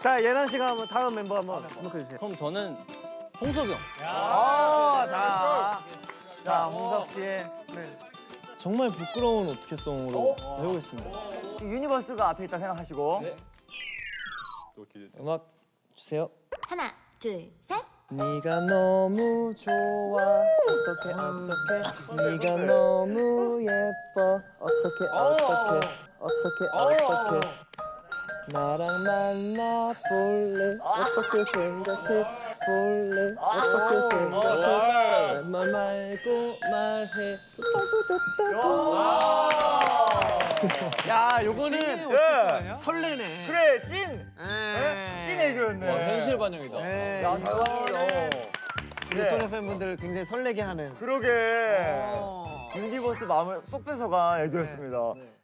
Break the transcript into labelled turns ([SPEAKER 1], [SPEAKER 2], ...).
[SPEAKER 1] 자, 예나 씨가 한번 다음 멤버 한번 지목해 주세요.
[SPEAKER 2] 그럼 저는 홍석이 형.
[SPEAKER 1] 자, 홍석 씨의
[SPEAKER 3] 정말 부끄러운 어떻게 송으로 해보겠습니다.
[SPEAKER 1] 유니버스가 앞에 있다 생각하시고.
[SPEAKER 3] 음악 주세요.
[SPEAKER 4] 하나, 둘, 셋.
[SPEAKER 3] 네가 너무 좋아 어떡해 네가 너무 예뻐 어떡해 나랑 만나 볼래 어떻게 생각해 볼래 어떻게 생각해 말 말고 말해
[SPEAKER 1] 야, 요거는 설레네.
[SPEAKER 5] 그래, 찐 애교였네.
[SPEAKER 3] 현실 반영이다.
[SPEAKER 5] 야, 잘 봤습니다.
[SPEAKER 1] 우리 소녀 팬분들 굉장히 설레게 하는.
[SPEAKER 5] 그러게. 유니버스 마음을 쏙 뺏어간 애교였습니다.